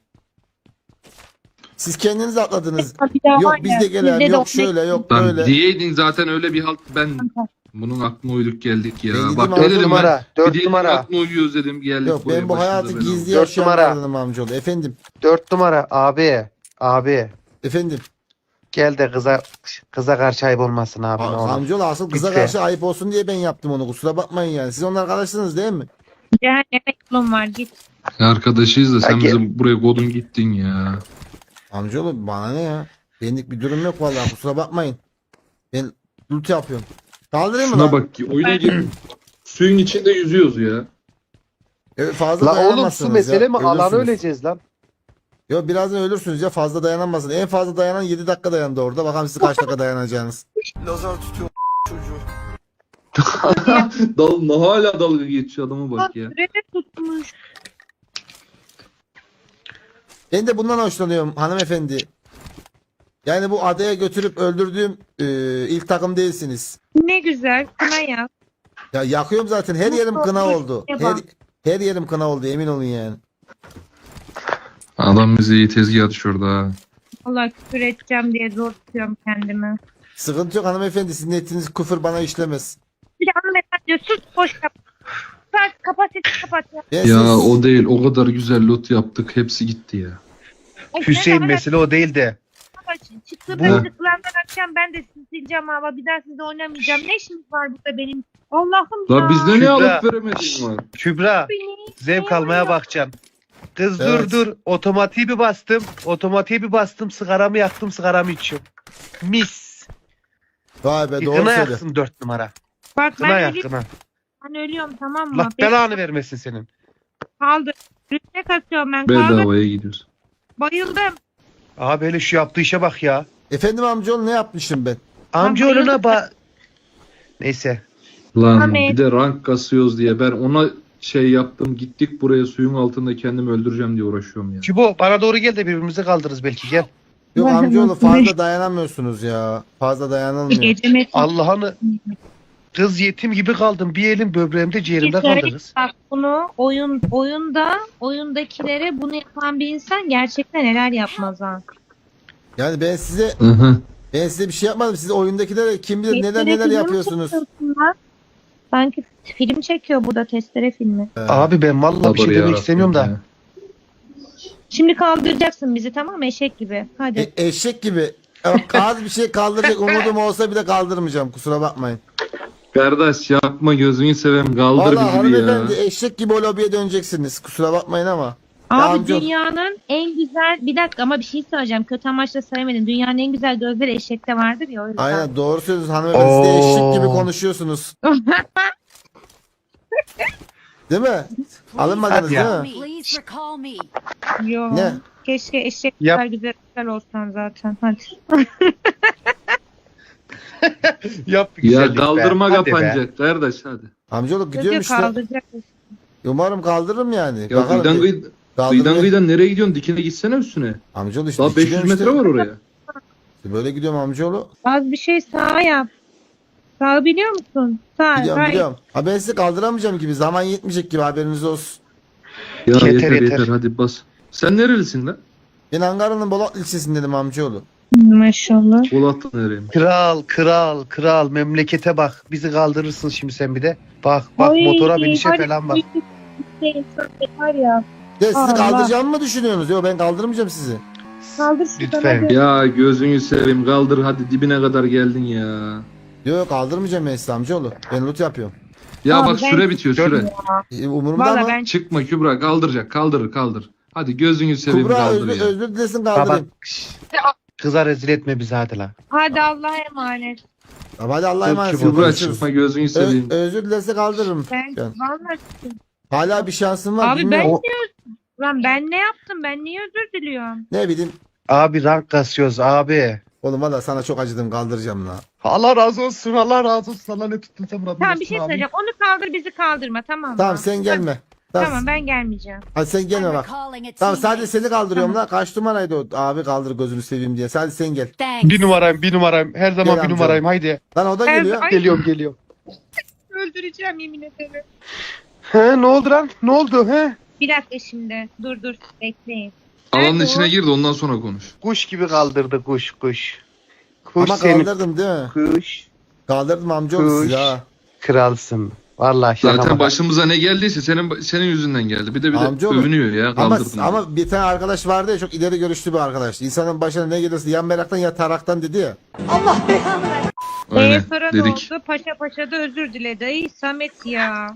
[SPEAKER 1] Siz kendiniz atladınız.
[SPEAKER 2] bir daha
[SPEAKER 1] Yok
[SPEAKER 2] var
[SPEAKER 1] biz
[SPEAKER 2] ya,
[SPEAKER 1] de gelelim.
[SPEAKER 2] sizde de
[SPEAKER 1] Yok
[SPEAKER 2] o-
[SPEAKER 1] şöyle yok
[SPEAKER 3] Lan
[SPEAKER 1] böyle.
[SPEAKER 3] diyeydin zaten öyle bir halt ben bunun aklına uyduk geldik ya.
[SPEAKER 1] Ben dedim
[SPEAKER 3] Bak
[SPEAKER 1] abi,
[SPEAKER 3] ne
[SPEAKER 4] Dört
[SPEAKER 3] dedim
[SPEAKER 4] numara.
[SPEAKER 3] ben. Bir
[SPEAKER 4] 4
[SPEAKER 3] diyeydin
[SPEAKER 4] numara.
[SPEAKER 3] aklına uyuyoruz dedim geldik
[SPEAKER 1] Yok
[SPEAKER 3] buraya,
[SPEAKER 1] ben bu
[SPEAKER 3] başımıza
[SPEAKER 1] hayatı
[SPEAKER 3] bela oldu.
[SPEAKER 1] gizli
[SPEAKER 4] 4 numara.
[SPEAKER 1] yaşayanlardanım amcaoğlu. Efendim.
[SPEAKER 4] 4 numara abi. Abi.
[SPEAKER 1] Efendim.
[SPEAKER 4] Gel de kıza karşı ayıp olmasın abi ne olur.
[SPEAKER 1] Amcaoğlu asıl kıza
[SPEAKER 4] Lütfen.
[SPEAKER 1] karşı ayıp olsun diye ben yaptım onu. Kusura bakmayın yani. Siz onun arkadaşsınız değil mi?
[SPEAKER 2] Cehenneme yolun var git.
[SPEAKER 3] Arkadaşıyız da sen
[SPEAKER 4] Ya
[SPEAKER 3] bize buraya kodun gittin ya.
[SPEAKER 1] Amcaoğlu bana ne ya? Benlik bir durum yok vallahi kusura bakmayın. Ben loot yapıyorum. Kaldırayım mı
[SPEAKER 3] Şuna
[SPEAKER 1] lan?
[SPEAKER 3] bak ki oyuna gir. Suyun içinde yüzüyoruz ya.
[SPEAKER 1] Evet, fazla
[SPEAKER 4] La oğlum
[SPEAKER 1] dayanamazsınız
[SPEAKER 4] su mesele
[SPEAKER 1] ya.
[SPEAKER 4] mi? Alanı
[SPEAKER 1] Ölürsünüz.
[SPEAKER 4] öleceğiz lan.
[SPEAKER 1] Yok birazdan ölürsünüz ya fazla dayanamazsın. En fazla dayanan 7 dakika dayandı orada. Bakalım siz kaç dakika dayanacağınız.
[SPEAKER 5] Lazar tutuyor çocuğu.
[SPEAKER 3] Hala dalga geçiyor adama bak ya.
[SPEAKER 2] Sürede tutmuş.
[SPEAKER 1] Ben de bundan hoşlanıyorum hanımefendi. Yani bu adaya götürüp öldürdüğüm ilk takım değilsiniz.
[SPEAKER 2] Ne güzel kına yap.
[SPEAKER 1] Ya yakıyorum zaten her yerim kına oldu. Her yerim kına oldu emin olun yani.
[SPEAKER 3] Adam bizi iyi tezgaha düşürdü ha.
[SPEAKER 2] Allah küfür edeceğim diye zor tutuyorum kendimi.
[SPEAKER 1] Sıkıntı yok hanımefendi sizin ettiğiniz küfür bana işlemez.
[SPEAKER 2] Bir de hanımefendi diyor sus boş yap. Sen kapasite kapat ya.
[SPEAKER 1] Ben
[SPEAKER 3] Ya
[SPEAKER 1] siz-
[SPEAKER 3] o değil o kadar güzel loot yaptık hepsi gitti ya.
[SPEAKER 2] Ay,
[SPEAKER 4] Hüseyin
[SPEAKER 2] sen
[SPEAKER 4] mesele o değil de.
[SPEAKER 2] Çıktı
[SPEAKER 4] Bu-
[SPEAKER 2] ben tıklandan akşam ben de sizi sileceğim ama bir daha sizle oynamayacağım. Ne işiniz var burada benim? Allah'ım ya.
[SPEAKER 3] La bizde ne
[SPEAKER 4] Kübra.
[SPEAKER 3] alıp veremediğin var.
[SPEAKER 4] Kübra
[SPEAKER 2] Beni-
[SPEAKER 4] zevk almaya bakacaksın. Kız
[SPEAKER 1] Evet.
[SPEAKER 4] dur otomatiği bir bastım. Otomatiği bir bastım sigaramı yaktım sigaramı içiyorum. Mis.
[SPEAKER 1] Vay be doğru
[SPEAKER 4] Kına
[SPEAKER 1] söylüyor.
[SPEAKER 4] yaksın 4 numara.
[SPEAKER 2] Bak
[SPEAKER 4] Kına
[SPEAKER 2] ben
[SPEAKER 4] yak
[SPEAKER 2] ölüyorum,
[SPEAKER 4] kına.
[SPEAKER 2] ben ölüyorum tamam mı?
[SPEAKER 4] Allah belanı vermesin senin.
[SPEAKER 2] Kaldı. Rütbe kasıyorum ben. Kaldı.
[SPEAKER 3] Bedavaya gidiyoruz.
[SPEAKER 2] Bayıldım.
[SPEAKER 4] Abi hele şu yaptığı işe bak ya.
[SPEAKER 1] Efendim amcaoğlu ne yapmışım ben?
[SPEAKER 4] Amcaoğluna bak. Neyse.
[SPEAKER 3] Lan
[SPEAKER 2] Ahmet.
[SPEAKER 3] bir de rank kasıyoruz diye ben ona şey yaptım gittik buraya suyun altında kendimi öldüreceğim diye uğraşıyorum ya.
[SPEAKER 4] Kübo bana doğru gel de birbirimizi kaldırırız belki gel.
[SPEAKER 1] Yok
[SPEAKER 2] Ben de
[SPEAKER 1] amcaoğlu
[SPEAKER 2] mutluyum.
[SPEAKER 1] fazla dayanamıyorsunuz ya. Fazla dayanılmıyor.
[SPEAKER 2] Geceme
[SPEAKER 4] Allah'ını kız yetim gibi kaldım. Bir elim böbreğimde ciğerimde kaldı kız.
[SPEAKER 2] Bak bunu oyundakilere bunu yapan bir insan gerçekten neler yapmaz ha.
[SPEAKER 1] Yani ben size
[SPEAKER 3] Hı hı.
[SPEAKER 1] bir şey yapmadım. Siz oyundakilere kim bilir neler
[SPEAKER 2] Testere
[SPEAKER 1] neler
[SPEAKER 2] filmi
[SPEAKER 1] yapıyorsunuz.
[SPEAKER 2] çekiyorsun lan. Sanki film çekiyor burada testere filmi.
[SPEAKER 4] Abi ben vallahi bir şey
[SPEAKER 3] Sabır
[SPEAKER 4] demek
[SPEAKER 3] yarabbim
[SPEAKER 4] istemiyorum da.
[SPEAKER 3] ya.
[SPEAKER 2] Şimdi kaldıracaksın bizi tamam mı eşek gibi. Hadi.
[SPEAKER 1] Eşek gibi. Az bir şey kaldıracak umudum olsa bile kaldırmayacağım. Kusura bakmayın.
[SPEAKER 3] Kardeş yapma gözünü seveyim kaldır
[SPEAKER 1] Vallahi
[SPEAKER 3] bizi bir
[SPEAKER 1] hanımefendi
[SPEAKER 3] ya.
[SPEAKER 1] eşek gibi o lobiye döneceksiniz. Kusura bakmayın ama.
[SPEAKER 2] Abi
[SPEAKER 1] amca-
[SPEAKER 2] dünyanın en güzel bir dakika ama bir şey söyleyeceğim. Kötü amaçla söylemedim. Dünyanın en güzel gözleri eşekte vardır ya o yüzden.
[SPEAKER 1] Aynen doğru söylüyorsunuz hanımefendi. Siz de
[SPEAKER 4] Oo.
[SPEAKER 1] eşek gibi konuşuyorsunuz. Değil mi? Alınmadınız
[SPEAKER 4] Hadi ya.
[SPEAKER 1] değil mi?
[SPEAKER 6] Please recall me.
[SPEAKER 2] Yo.
[SPEAKER 1] Ne?
[SPEAKER 2] Keşke eşek
[SPEAKER 4] Yap.
[SPEAKER 2] kadar güzel olsan zaten. Hadi.
[SPEAKER 4] Yap bir
[SPEAKER 3] Ya
[SPEAKER 4] güzellik be.
[SPEAKER 3] kaldırma
[SPEAKER 4] Hadi be.
[SPEAKER 3] kapanacak kardeş hadi.
[SPEAKER 1] Amcaoğlu gidiyorum
[SPEAKER 2] Çocuğu
[SPEAKER 1] işte.
[SPEAKER 2] kaldıracak.
[SPEAKER 1] Umarım kaldırırım yani.
[SPEAKER 3] Ya
[SPEAKER 1] Bakalım
[SPEAKER 3] kıyıdan,
[SPEAKER 1] bir- kaldırmaya-
[SPEAKER 3] kıyıdan kıyıdan nereye gidiyorsun? Dikine gitsene üstüne.
[SPEAKER 1] Amcaoğlu işte.
[SPEAKER 3] Daha 500
[SPEAKER 1] gidiyorum
[SPEAKER 3] metre
[SPEAKER 1] işte.
[SPEAKER 3] var oraya.
[SPEAKER 1] Böyle gidiyorum amcaoğlu.
[SPEAKER 2] Az bir şey sağa yap. Sağı biliyor musun? Sağ.
[SPEAKER 1] Biliyorum
[SPEAKER 2] hayır.
[SPEAKER 1] biliyorum. Ha ben sizi kaldıramayacağım gibi. Zaman yetmeyecek gibi haberiniz olsun.
[SPEAKER 3] Ya
[SPEAKER 4] Yeter,
[SPEAKER 3] yeter
[SPEAKER 4] yeter.
[SPEAKER 3] yeter hadi bas. Sen nerelisin lan?
[SPEAKER 1] Ben Ankara'nın Bolat ilçesindeydim amcaoğlu.
[SPEAKER 2] Maşallah.
[SPEAKER 3] Polatlı nereymiş?
[SPEAKER 4] Kral memlekete bak. Bizi kaldırırsın şimdi sen bir de. Bak
[SPEAKER 2] Ay,
[SPEAKER 4] motora binişe
[SPEAKER 2] hadi
[SPEAKER 4] falan bak.
[SPEAKER 2] bir şey var ya.
[SPEAKER 1] Ya sizi
[SPEAKER 2] Allah.
[SPEAKER 1] kaldıracağımı mı düşünüyorsunuz? Yok ben kaldırmayacağım sizi.
[SPEAKER 2] Kaldır şuradan
[SPEAKER 4] Lütfen.
[SPEAKER 2] hadi.
[SPEAKER 3] Ya gözünü seveyim kaldır hadi dibine kadar geldin ya.
[SPEAKER 1] Yok kaldırmayacağım ben sizi amcaoğlu. Ben loot yapıyorum.
[SPEAKER 3] Ya
[SPEAKER 2] Abi
[SPEAKER 3] bak
[SPEAKER 2] ben-
[SPEAKER 3] süre bitiyor süre.
[SPEAKER 1] Umurumda
[SPEAKER 2] Valla
[SPEAKER 1] ama.
[SPEAKER 2] ben
[SPEAKER 3] Çıkma Kübra kaldıracak kaldır. Hadi gözünü seveyim
[SPEAKER 1] Kubra
[SPEAKER 3] kaldır
[SPEAKER 1] özür,
[SPEAKER 3] ya.
[SPEAKER 1] özür dilesin
[SPEAKER 4] Baba.
[SPEAKER 1] kaldırayım.
[SPEAKER 4] Kıza rezil etme bizi hadi lan.
[SPEAKER 2] hadi Allah'a emanet.
[SPEAKER 1] Tamam, hadi Allah'a emanet.
[SPEAKER 4] Kübra
[SPEAKER 3] Kübra
[SPEAKER 1] Görüşürüz.
[SPEAKER 3] çıkma gözünü seveyim.
[SPEAKER 1] Özür dilerse kaldırırım.
[SPEAKER 2] Ben
[SPEAKER 1] Yani.
[SPEAKER 2] vallahi
[SPEAKER 1] Hala bir şansım var.
[SPEAKER 2] abi ben
[SPEAKER 1] bilmiyorum.
[SPEAKER 2] lan ben ne yaptım? Ben niye özür diliyorum?
[SPEAKER 1] Ne bileyim.
[SPEAKER 4] Abi rank kasıyoruz abi.
[SPEAKER 1] Oğlum valla sana çok acıdım kaldıracağım la.
[SPEAKER 4] Allah razı olsun. Allah razı olsun. Allah ne tuttun sen Rabbim
[SPEAKER 2] Tamam
[SPEAKER 4] olsun
[SPEAKER 2] bir şey
[SPEAKER 4] abi.
[SPEAKER 2] söyleyeceğim. Onu kaldır bizi kaldırma tamam mı?
[SPEAKER 1] Tamam sen gelme.
[SPEAKER 2] Tamam ben gelmeyeceğim.
[SPEAKER 1] Hadi sen gelme
[SPEAKER 6] I'm
[SPEAKER 1] bak.
[SPEAKER 6] recalling a
[SPEAKER 1] Tamam sadece
[SPEAKER 6] teammate.
[SPEAKER 1] seni kaldırıyorum la. Kaç numaraydı o? Abi kaldır gözünü seveyim diye. Sadece sen gel.
[SPEAKER 6] Thanks.
[SPEAKER 4] Bir numarayım. Her zaman
[SPEAKER 1] Gel
[SPEAKER 4] bir
[SPEAKER 1] amca.
[SPEAKER 4] numarayım. Haydi.
[SPEAKER 1] Lan o da
[SPEAKER 2] Her-
[SPEAKER 1] geliyor.
[SPEAKER 2] Ay.
[SPEAKER 4] Geliyorum.
[SPEAKER 2] Öldüreceğim yemin ederim.
[SPEAKER 4] He ne oldu lan? Ne oldu he?
[SPEAKER 2] Bir dakika şimdi. Dur bekleyin.
[SPEAKER 3] Alanın
[SPEAKER 2] Nerede
[SPEAKER 3] içine
[SPEAKER 2] o?
[SPEAKER 3] gir de ondan sonra konuş.
[SPEAKER 4] Kuş gibi kaldırdı kuş. Kuş
[SPEAKER 1] Ama
[SPEAKER 4] seni.
[SPEAKER 1] kaldırdım değil mi?
[SPEAKER 4] Kuş.
[SPEAKER 1] Kaldırdım amcaoğlu sizi
[SPEAKER 4] Kuş.
[SPEAKER 1] ha.
[SPEAKER 4] Kralsın. Vallahi şaka
[SPEAKER 3] Zaten
[SPEAKER 4] maka.
[SPEAKER 3] başımıza ne geldiyse senin yüzünden geldi. Bir de
[SPEAKER 1] Amcaoğlu.
[SPEAKER 3] övünüyor ya
[SPEAKER 1] Ama,
[SPEAKER 3] kaldırdın.
[SPEAKER 1] ama bir tane arkadaş vardı ya çok ileri görüşlü bir arkadaş. İnsanın başına ne gelirse ya meraktan ya taraktan dedi ya.
[SPEAKER 3] Aynen
[SPEAKER 2] Sonra ne
[SPEAKER 3] dedik.
[SPEAKER 2] oldu? Paşa da özür diledi. Ay Samet ya.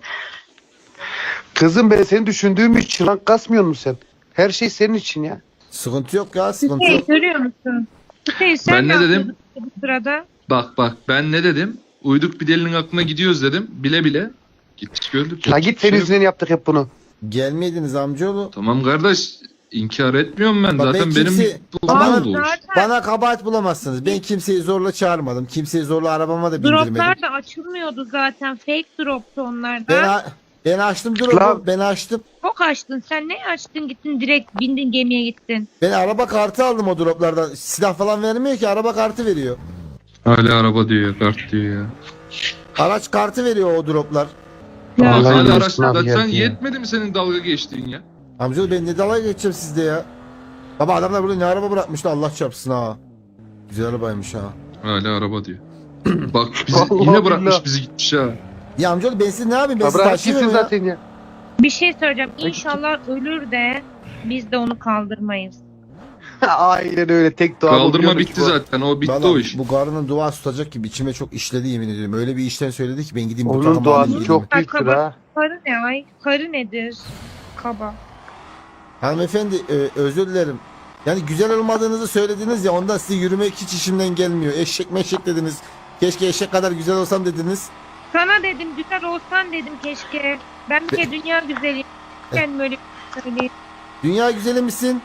[SPEAKER 4] Kızım ben seni düşündüğüm için rank kasmıyor musun sen? Her şey senin için ya.
[SPEAKER 1] Sıkıntı yok ya sıkıntı
[SPEAKER 2] Hüseyin
[SPEAKER 1] yok.
[SPEAKER 2] görüyor musun? Hüseyin sen
[SPEAKER 3] Ben ne dedim?
[SPEAKER 2] yapıyordun bu sırada?
[SPEAKER 3] Bak ben ne dedim? Uyduk bir delinin aklına gidiyoruz dedim. Bile. Gittik gördük.
[SPEAKER 4] La git senin
[SPEAKER 3] Şey-
[SPEAKER 4] yüzünden yaptık hep bunu.
[SPEAKER 1] Gelmeydiniz amcaoğlu.
[SPEAKER 3] Tamam kardeş inkar etmiyorum ben.
[SPEAKER 1] Bak
[SPEAKER 3] Zaten
[SPEAKER 1] ben
[SPEAKER 3] benim
[SPEAKER 1] kimse-
[SPEAKER 3] bu
[SPEAKER 1] Bana-
[SPEAKER 3] oldu.
[SPEAKER 2] Zaten
[SPEAKER 1] Bana kabahat bulamazsınız. Ben kimseyi zorla çağırmadım. Kimseyi zorla arabama da bindirmedim.
[SPEAKER 2] droplar da açılmıyordu zaten. Fake droptu onlar
[SPEAKER 1] Ben,
[SPEAKER 2] da.
[SPEAKER 1] ben açtım drop'u.
[SPEAKER 4] Lan.
[SPEAKER 1] Ben açtım.
[SPEAKER 2] Çok açtın. Sen ne açtın gittin direkt bindin gemiye gittin.
[SPEAKER 1] Ben araba kartı aldım o droplardan. Silah falan vermiyor ki araba kartı veriyor.
[SPEAKER 3] Hala araba diyor kart diyor ya.
[SPEAKER 1] Araç kartı veriyor o droplar.
[SPEAKER 2] Ya.
[SPEAKER 3] Bak
[SPEAKER 4] Vallahi
[SPEAKER 3] hala
[SPEAKER 4] yarısına
[SPEAKER 3] araçta
[SPEAKER 4] bir
[SPEAKER 3] sen
[SPEAKER 4] geldi ya.
[SPEAKER 3] yetmedi mi senin dalga geçtiğin ya?
[SPEAKER 1] Amcaoğlu ben ne dalga geçeceğim sizde ya. Baba adamlar burada ne araba bırakmışlar Allah çarpsın ha. Güzel arabaymış ha.
[SPEAKER 3] Hala araba diyor. Bak bizi
[SPEAKER 4] Allah
[SPEAKER 3] yine bırakmış
[SPEAKER 4] billah.
[SPEAKER 3] bizi gitmiş ha.
[SPEAKER 1] Ya amcaoğlu ben sizi ne yapayım ben sizi
[SPEAKER 4] Bırak
[SPEAKER 1] taşıyayım
[SPEAKER 4] gitsin
[SPEAKER 1] ya.
[SPEAKER 4] zaten ya.
[SPEAKER 2] Bir şey söyleyeceğim. İnşallah ölür de biz de onu kaldırmayız.
[SPEAKER 4] Aynen öyle tek dua
[SPEAKER 3] Kaldırma bitti zaten o bitti
[SPEAKER 1] Vallahi
[SPEAKER 3] o iş.
[SPEAKER 1] bu karının dua tutacak gibi içime çok işledi yemin ediyorum. Öyle bir işten söyledi ki ben gideyim bu
[SPEAKER 4] Onun
[SPEAKER 1] takımı
[SPEAKER 4] duası
[SPEAKER 1] alayım
[SPEAKER 4] çok
[SPEAKER 1] elime.
[SPEAKER 4] büyüktür ha.
[SPEAKER 2] Karı ne ay? Karı nedir? Kaba.
[SPEAKER 1] Hanımefendi özür dilerim. Yani güzel olmadığınızı söylediniz ya ondan size yürümek hiç işimden gelmiyor. Eşek meşek dediniz. Keşke eşek kadar güzel olsam dediniz.
[SPEAKER 2] Sana dedim güzel olsan dedim keşke. Ben bir kere dünya güzeliyim. Ben böyle söyleyeyim.
[SPEAKER 1] Dünya güzeli misin?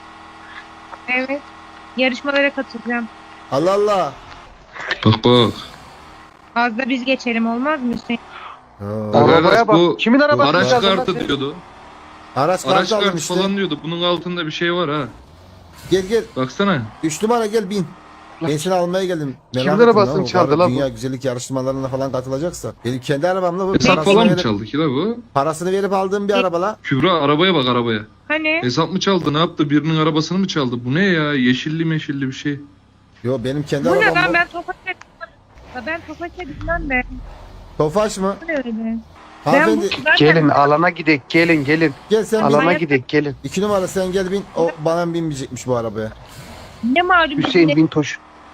[SPEAKER 2] Evet. Yarışmalara katılacağım.
[SPEAKER 1] Allah Allah.
[SPEAKER 3] Bak.
[SPEAKER 2] Az da biz geçelim olmaz mı Hüseyin?
[SPEAKER 1] Ha.
[SPEAKER 4] Arabaya bak.
[SPEAKER 3] Bu
[SPEAKER 4] Kimin arabası?
[SPEAKER 3] Araç
[SPEAKER 4] lazım lan
[SPEAKER 3] kartı
[SPEAKER 4] senin?
[SPEAKER 3] diyordu.
[SPEAKER 1] Araç
[SPEAKER 3] Araç
[SPEAKER 1] kartı aldım
[SPEAKER 3] kartı
[SPEAKER 1] işte.
[SPEAKER 3] falan diyordu. Bunun altında bir şey var ha.
[SPEAKER 1] Gel gel.
[SPEAKER 3] Baksana.
[SPEAKER 1] 3 numara gel bin. Ben seni almaya geldim.
[SPEAKER 4] Kimin
[SPEAKER 1] Merak ettim
[SPEAKER 4] arabasını
[SPEAKER 1] lan, o
[SPEAKER 4] çaldı
[SPEAKER 1] karı
[SPEAKER 4] lan bu?
[SPEAKER 1] Dünya güzellik yarışmalarına falan katılacaksa. Benim kendi arabamla bu.
[SPEAKER 3] Hesap
[SPEAKER 1] Parasını
[SPEAKER 3] falan mı
[SPEAKER 1] verip-
[SPEAKER 3] çaldı ki la bu?
[SPEAKER 1] Parasını verip aldığım bir araba la.
[SPEAKER 3] Kübra arabaya bak arabaya.
[SPEAKER 2] Hani?
[SPEAKER 3] Hesap mı çaldı ne yaptı? Birinin arabasını mı çaldı? Bu ne ya? Yeşilli meşilli bir şey.
[SPEAKER 1] Yo benim kendi
[SPEAKER 2] Bu ne
[SPEAKER 1] arabam
[SPEAKER 2] lan
[SPEAKER 1] bu.
[SPEAKER 2] ben Tofaş'a ben Tofaş'a gitmem be.
[SPEAKER 1] Tofaş mı?
[SPEAKER 2] Bu ne öyle?
[SPEAKER 1] Hanımefendi
[SPEAKER 2] zaten-
[SPEAKER 4] Gelin alana gidek gelin.
[SPEAKER 1] gel sen bin.
[SPEAKER 4] Alana gidek gelin.
[SPEAKER 1] 2 numara sen gel bin. O bana binmeyecekmiş bu arabaya.
[SPEAKER 2] Ne malum
[SPEAKER 4] Hüseyin
[SPEAKER 2] bize-
[SPEAKER 4] Bintoş.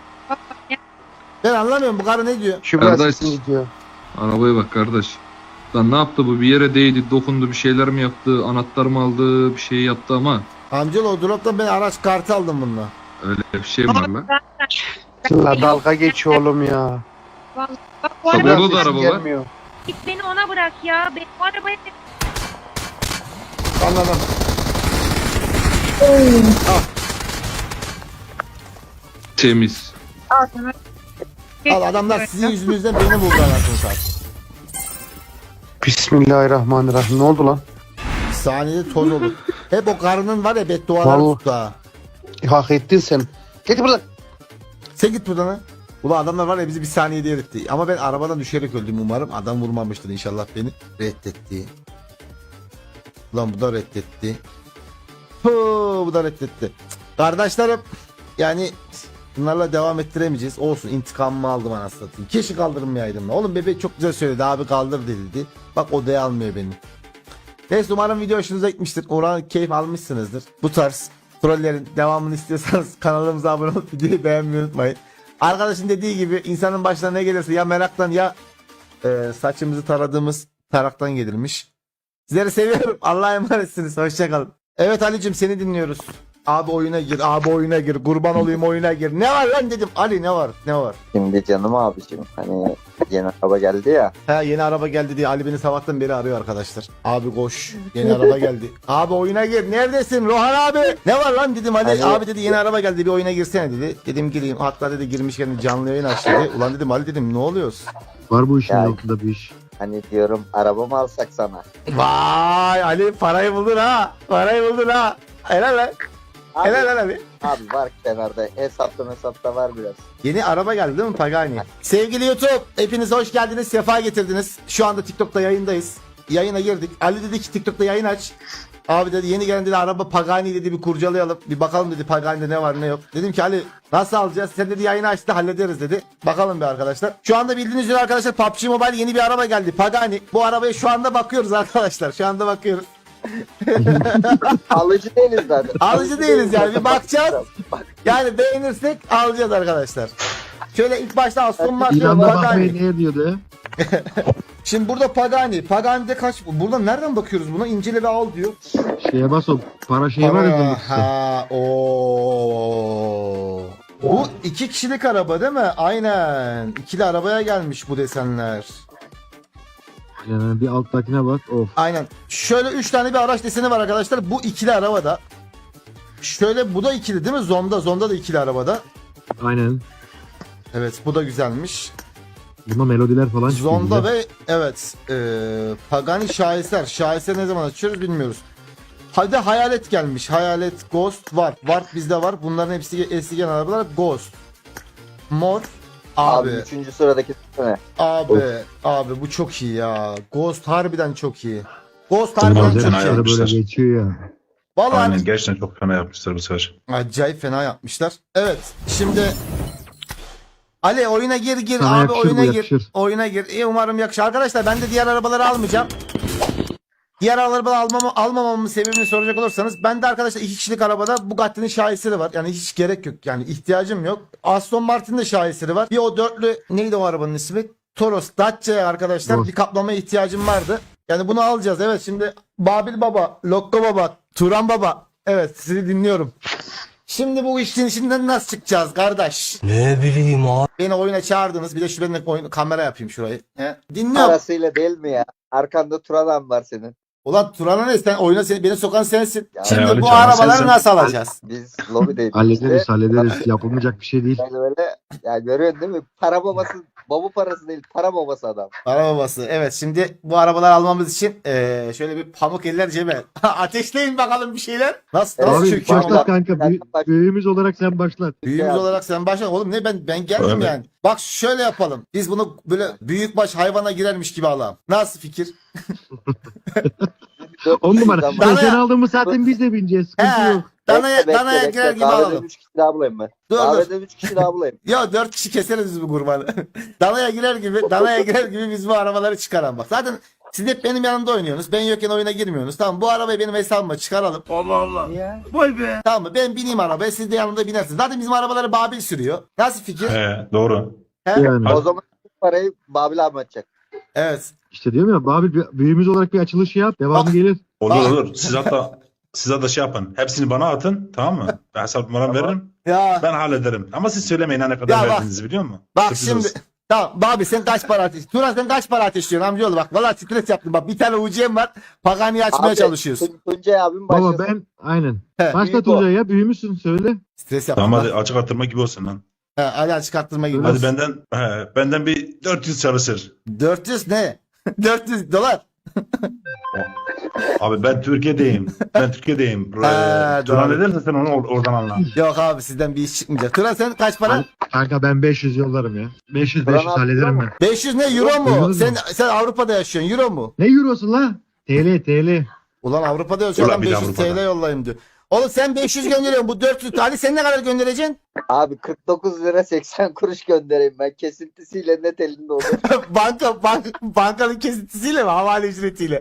[SPEAKER 1] Ben anlamıyorum bu karı ne diyor?
[SPEAKER 4] Şubra
[SPEAKER 3] Kardeş.
[SPEAKER 4] sesin gidiyor.
[SPEAKER 3] Arabaya bak kardeş. Lan ne yaptı bu? Bir yere değdi, dokundu, bir şeyler mi yaptı? Anahtar mı aldı? Bir şey yaptı ama
[SPEAKER 1] Amcalı o droptan ben araç kartı aldım bununla.
[SPEAKER 3] öyle bir şey var lan.
[SPEAKER 4] La dalga geç oğlum ya.
[SPEAKER 2] Bak bu
[SPEAKER 3] Tabii
[SPEAKER 2] araba
[SPEAKER 3] orada da
[SPEAKER 4] Sesin
[SPEAKER 3] araba var.
[SPEAKER 4] gelmiyor.
[SPEAKER 2] git beni ona bırak ya. Ben bu arabaya
[SPEAKER 1] Anladım.
[SPEAKER 3] Temiz.
[SPEAKER 2] Al sana.
[SPEAKER 1] Al adamlar sizin yüzünüzden beni buldu anasını satayım.
[SPEAKER 4] Bismillahirrahmanirrahim. Ne oldu lan?
[SPEAKER 1] Saniyede toz olur. Hep o karının var ya beddualar
[SPEAKER 4] Vallahi.
[SPEAKER 1] tuttu ha.
[SPEAKER 4] Hak ettin sen. Git buradan.
[SPEAKER 1] Sen git buradan ha. Ulan adamlar var ya bizi bir saniyede eritti. Ama ben arabadan düşerek öldüm umarım. Adam vurmamıştır inşallah beni. Reddetti. Ulan bu da reddetti. Bu da reddetti. Kardeşlerim yani bunlarla devam ettiremeyeceğiz. Olsun intikamımı aldım anasını satayım. Keşke kaldırmayaydım. Oğlum bebek çok güzel söyledi abi kaldır dedi. Bak odaya almıyor beni. Neyse umarım video hoşunuza gitmiştir. Umarım keyif almışsınızdır. Bu tarz trollerin devamını istiyorsanız kanalımıza abone olup videoyu beğenmeyi unutmayın. Arkadaşın dediği gibi insanın başına ne gelirse ya meraktan ya saçımızı taradığımız taraktan gelirmiş. Sizleri seviyorum. Allah'a emanetsiniz. Hoşçakalın. Evet Ali'cim seni dinliyoruz. Abi oyuna gir, abi oyuna gir. Kurban olayım oyuna gir. Ne var lan dedim. Ali ne var? Ne var?
[SPEAKER 7] Şimdi canım abicim hani yeni araba geldi ya.
[SPEAKER 1] Ha yeni araba geldi diye Ali beni sabahtan beri arıyor arkadaşlar. Abi koş. Yeni araba geldi. Abi oyuna gir. Neredesin Rohan abi? Ne var lan dedim Ali.
[SPEAKER 7] Hani-
[SPEAKER 1] Abi dedi yeni araba geldi bir oyuna girsene dedi. Dedim gireyim. Hatta dedi girmişken canlı yayın aç dedi. Ulan dedim Ali dedim ne oluyoruz?
[SPEAKER 4] Var bu işin
[SPEAKER 7] Ya-
[SPEAKER 4] altında bir iş.
[SPEAKER 7] Hani diyorum araba mı alsak sana?
[SPEAKER 1] Vay Ali parayı buldun ha. Parayı buldun ha. Helal lan.
[SPEAKER 7] Abi,
[SPEAKER 1] Helal lan Ali.
[SPEAKER 7] abi var kenarda hesapta var biraz.
[SPEAKER 1] Yeni araba geldi değil mi Pagani? Sevgili YouTube hepiniz hoş geldiniz. Sefa getirdiniz. Şu anda TikTok'ta yayındayız. Yayına girdik. Ali dedi ki TikTok'ta yayın aç. Abi dedi yeni gelen dedi araba Pagani dedi bir kurcalayalım. Bir bakalım dedi Pagani'de ne var ne yok. Dedim ki Ali nasıl alacağız? Sen dedi yayını açtı hallederiz dedi. Bakalım bir arkadaşlar. Şu anda bildiğiniz üzere arkadaşlar PUBG Mobile yeni bir araba geldi. Pagani. Bu arabaya şu anda bakıyoruz arkadaşlar. Şu anda bakıyoruz.
[SPEAKER 7] Alıcı değiliz zaten.
[SPEAKER 1] Alıcı değiliz yani bir bakacağız.
[SPEAKER 7] Bak,
[SPEAKER 1] Yani beğenirsek alacağız arkadaşlar. Şöyle ilk başta Aston Martin
[SPEAKER 4] İlanda
[SPEAKER 1] Pagani.
[SPEAKER 4] bakmayın ne diyordu?
[SPEAKER 1] Şimdi burada Pagani. Pagani'de kaç? Buradan nereden bakıyoruz buna? İncele ve al diyor.
[SPEAKER 4] Şeye bas o para şeyi var ya. demek ki.
[SPEAKER 1] Ha, o. Bu 2 kişilik araba değil mi? Aynen. İkili arabaya gelmiş bu desenler.
[SPEAKER 4] Yani bir alttakine bak. Of.
[SPEAKER 1] Aynen. Şöyle 3 tane bir araç deseni var arkadaşlar. Bu ikili arabada. Şöyle bu da ikili değil mi? Zonda da ikili arabada.
[SPEAKER 4] Aynen.
[SPEAKER 1] Evet bu da güzelmiş.
[SPEAKER 4] Bunda melodiler falan çıkıyor.
[SPEAKER 1] Zonda
[SPEAKER 4] güzel.
[SPEAKER 1] ve evet Pagani şaheser. Şaheser ne zaman açıyoruz bilmiyoruz. Hadi hayalet gelmiş. Hayalet Ghost var. Warp bizde var. Bunların hepsi eski gelen arabalar. Ghost. Mor.
[SPEAKER 7] abi
[SPEAKER 1] Abi.
[SPEAKER 7] 3. sıradaki ne?
[SPEAKER 1] Abi bu çok iyi ya. Ghost harbiden çok iyi. Ghost harbiden
[SPEAKER 8] Tamam,
[SPEAKER 1] çok
[SPEAKER 8] fena
[SPEAKER 1] iyi.
[SPEAKER 4] Böyle
[SPEAKER 8] yapmışlar.
[SPEAKER 4] geçiyor ya.
[SPEAKER 1] Vallahi
[SPEAKER 8] Aynen gerçekten çok fena yapmışlar bu sefer.
[SPEAKER 1] acayip fena yapmışlar. Evet. Şimdi Ali oyuna gir
[SPEAKER 4] Sana
[SPEAKER 1] abi
[SPEAKER 4] yakışır bu,
[SPEAKER 1] oyuna gir.
[SPEAKER 4] yakışır.
[SPEAKER 1] Oyuna gir. Umarım yakışır. Arkadaşlar ben de diğer arabaları almayacağım. Diğer arabaları almamamın sebebini soracak olursanız ben de arkadaşlar 2 kişilik arabada Bugatti'nin şaheseri var. Yani hiç gerek yok. Yani ihtiyacım yok. Aston Martin'de şaheseri var. Bir o dörtlü neydi o arabanın ismi? Toros Dacia arkadaşlar.
[SPEAKER 4] Toros.
[SPEAKER 1] Bir kaplamaya ihtiyacım vardı. Yani bunu alacağız. Evet şimdi Babil Baba, Lokko Baba, Turan Baba. Evet sizi dinliyorum. Şimdi bu işin içinden nasıl çıkacağız kardeş?
[SPEAKER 5] Ne bileyim abi.
[SPEAKER 1] Beni oyuna çağırdınız. Bir de şu benim kamera yapayım şurayı. He? Dinliyorum.
[SPEAKER 7] Parasıyla değil mi ya? Arkanda tur adam var senin.
[SPEAKER 1] Ulan Turan'a ne? Sen oyuna beni sokan sensin.
[SPEAKER 7] Ya,
[SPEAKER 1] Şimdi
[SPEAKER 8] Ali
[SPEAKER 1] bu
[SPEAKER 8] Çağlar
[SPEAKER 1] arabaları
[SPEAKER 8] sensin.
[SPEAKER 1] nasıl alacağız?
[SPEAKER 7] Biz lobideydik
[SPEAKER 4] Hallederiz
[SPEAKER 7] işte.
[SPEAKER 4] hallederiz. Yapılmayacak bir şey değil.
[SPEAKER 7] Böyle ya görüyorsun değil mi? Para babası, baba parası değil, para babası adam.
[SPEAKER 1] Para babası. Evet şimdi bu arabaları almamız için şöyle bir pamuk eller cebe. Ateşleyin bakalım bir şeyler. Nasıl
[SPEAKER 7] Evet,
[SPEAKER 4] Abi
[SPEAKER 1] çöküyor?
[SPEAKER 7] başla.
[SPEAKER 4] başlat kanka. Büyüğümüz olarak sen başlat.
[SPEAKER 1] Büyüğümüz
[SPEAKER 7] Ya.
[SPEAKER 1] olarak sen başla. Oğlum ne ben geldim
[SPEAKER 8] Evet.
[SPEAKER 1] yani. Bak şöyle yapalım. Biz bunu böyle büyükbaş hayvana girermiş gibi alalım. Nasıl fikir?
[SPEAKER 4] 10 numara.
[SPEAKER 7] Zaman-
[SPEAKER 1] Dana-
[SPEAKER 4] Sen aldığımız saatin biz de bineceğiz. Sıkıntı
[SPEAKER 1] He.
[SPEAKER 4] yok.
[SPEAKER 1] Danaya girer gibi
[SPEAKER 7] Kahvede
[SPEAKER 1] alalım.
[SPEAKER 7] 3 kişi daha bulayım ben.
[SPEAKER 1] Dur,
[SPEAKER 7] Kahvede 3 kişi daha bulayım.
[SPEAKER 1] Ya 4 kişi keseriz biz bu kurbanı. Danaya girer gibi biz bu arabaları çıkaran bak. Zaten siz hep benim yanımda oynuyorsunuz. Ben yokken oyuna girmiyorsunuz. Tamam bu arabayı benim hesabıma çıkaralım.
[SPEAKER 5] Allah Allah.
[SPEAKER 7] Niye?
[SPEAKER 5] Vay be.
[SPEAKER 1] Tamam mı? Ben bineyim arabaya siz de yanımda binersiniz. Zaten bizim arabaları Babil sürüyor. Nasıl fikir?
[SPEAKER 8] He, doğru.
[SPEAKER 1] He?
[SPEAKER 4] Yani.
[SPEAKER 7] O zaman parayı Babil abi atacak.
[SPEAKER 1] Evet.
[SPEAKER 4] İşte diyorum ya Babil büyüğümüz olarak bir açılışı yap. Devamı
[SPEAKER 1] Bak.
[SPEAKER 4] gelir.
[SPEAKER 8] Olur
[SPEAKER 1] Aa.
[SPEAKER 8] olur. Siz hatta şey yapın. Hepsini bana atın. Tamam mı? Ben hesap numaramı veririm.
[SPEAKER 1] Ya
[SPEAKER 8] Ben hallederim. Ama siz söylemeyin ha ne kadar
[SPEAKER 1] Ya bak.
[SPEAKER 8] verdiğinizi biliyor musun?
[SPEAKER 1] bak
[SPEAKER 8] Sürpriz
[SPEAKER 1] şimdi
[SPEAKER 8] olsun.
[SPEAKER 1] Tamam abi sen kaç para ateş? Turan sen kaç para ateşliyorsun amcaoğlu bak. Valla stres yaptım bak. Bir tane UC'm var. Pagani'yi açmaya
[SPEAKER 7] Abi,
[SPEAKER 1] çalışıyoruz.
[SPEAKER 7] Tuncay abim başlasın.
[SPEAKER 9] Baba ben aynen.
[SPEAKER 1] He,
[SPEAKER 9] Başla
[SPEAKER 7] büyük o.
[SPEAKER 9] Tuncay ya büyümüşsün söyle.
[SPEAKER 1] Stres yaptım.
[SPEAKER 8] Tamam
[SPEAKER 1] Tamam,
[SPEAKER 8] hadi açık arttırma gibi olsun lan.
[SPEAKER 1] hadi çıkarttırma gibi.
[SPEAKER 8] Hadi benden bir 400 çalışır.
[SPEAKER 1] 400 ne? 400 dolar.
[SPEAKER 8] Abi ben Türkiye'deyim. Ben Türkiye'deyim.
[SPEAKER 1] Ha,
[SPEAKER 8] Turan
[SPEAKER 1] doğru.
[SPEAKER 8] edersen sen onu oradan anla.
[SPEAKER 1] Yok abi sizden bir iş çıkmayacak. Turan sen kaç para?
[SPEAKER 9] Kanka ben 500 yollarım ya. 500
[SPEAKER 7] Turan
[SPEAKER 9] 500
[SPEAKER 7] abi,
[SPEAKER 9] hallederim
[SPEAKER 7] Turan
[SPEAKER 9] ben.
[SPEAKER 1] 500 ne euro mu?
[SPEAKER 9] Duydunuz mu?
[SPEAKER 1] Sen Avrupa'da yaşıyorsun euro mu?
[SPEAKER 9] Ne eurosu lan? TL.
[SPEAKER 1] Ulan Avrupa'da yaşıyor
[SPEAKER 8] Ulan
[SPEAKER 1] adam
[SPEAKER 8] bir de
[SPEAKER 1] 500
[SPEAKER 8] Avrupa'da.
[SPEAKER 1] TL yollayayım diyor. Oğlum sen 500 gönderiyorsun bu 400 Ali sen ne kadar göndereceksin?
[SPEAKER 7] Abi 49 lira 80 kuruş göndereyim ben. Kesintisiyle net elinde olur.
[SPEAKER 1] Bankanın kesintisiyle mi? Havale ücretiyle.